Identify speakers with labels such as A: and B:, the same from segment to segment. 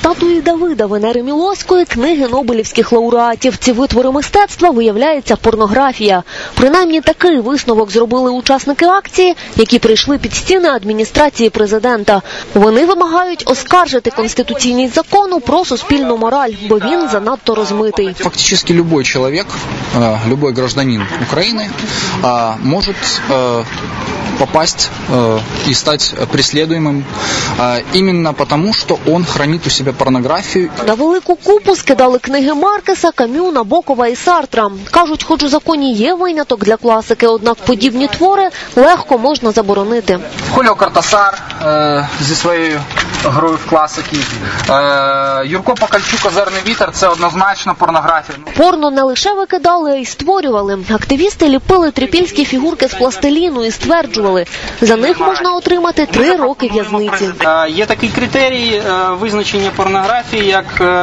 A: Статуї Давида, Венери Мілоської, книги нобелівських лауреатів. Ці витвори мистецтва, виявляється, порнографія. Принаймні такий висновок зробили учасники акції, які прийшли під стіни адміністрації президента. Вони вимагають оскаржити конституційність закону про суспільну мораль, бо він занадто розмитий.
B: Фактически любой человек, любой гражданин Украины может попасть и стать преследуемым именно потому, что он хранит у себя порнографию.
A: На велику купу скидали книги Маркеса, Кам'ю, Набокова і Сартра. Кажуть, хоч у законі є виняток для класики, однак подібні твори легко можна заборонити.
C: Хуліо Кортасар зі своєю грою в класики, Юрко Покальчук «Озерний вітер» – це однозначно порнографія.
A: Порно не лише викидали, а й створювали. Активісти ліпили трипільські фігурки з пластиліну і стверджували, за них можна отримати 3 роки в'язниці.
D: Є такий критерій визначення порнографії, як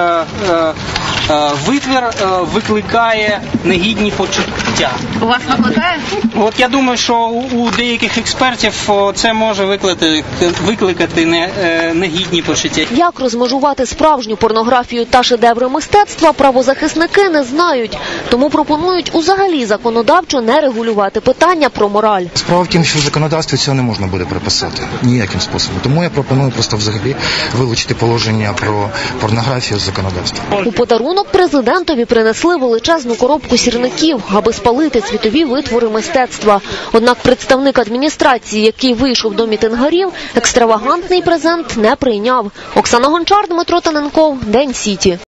D: витвір викликає негідні почуття.
E: У вас викликає?
D: От я думаю, що у деяких експертів це може викликати негідні почуття.
A: Як розмежувати справжню порнографію та шедеври мистецтва, правозахисники не знають. Тому пропонують узагалі законодавчо не регулювати питання про мораль.
F: Справа в тім, що в законодавстві цього не можна буде приписати ніяким способом. Тому я пропоную просто взагалі вилучити положення про порнографію з законодавства.
A: У подарунок президентові принесли величезну коробку сірників, аби спалити світові витвори мистецтва. Однак представник адміністрації, який вийшов до мітингарів, екстравагантний презент не прийняв. Оксана Гончар, Дмитро Таненков, День Сіті.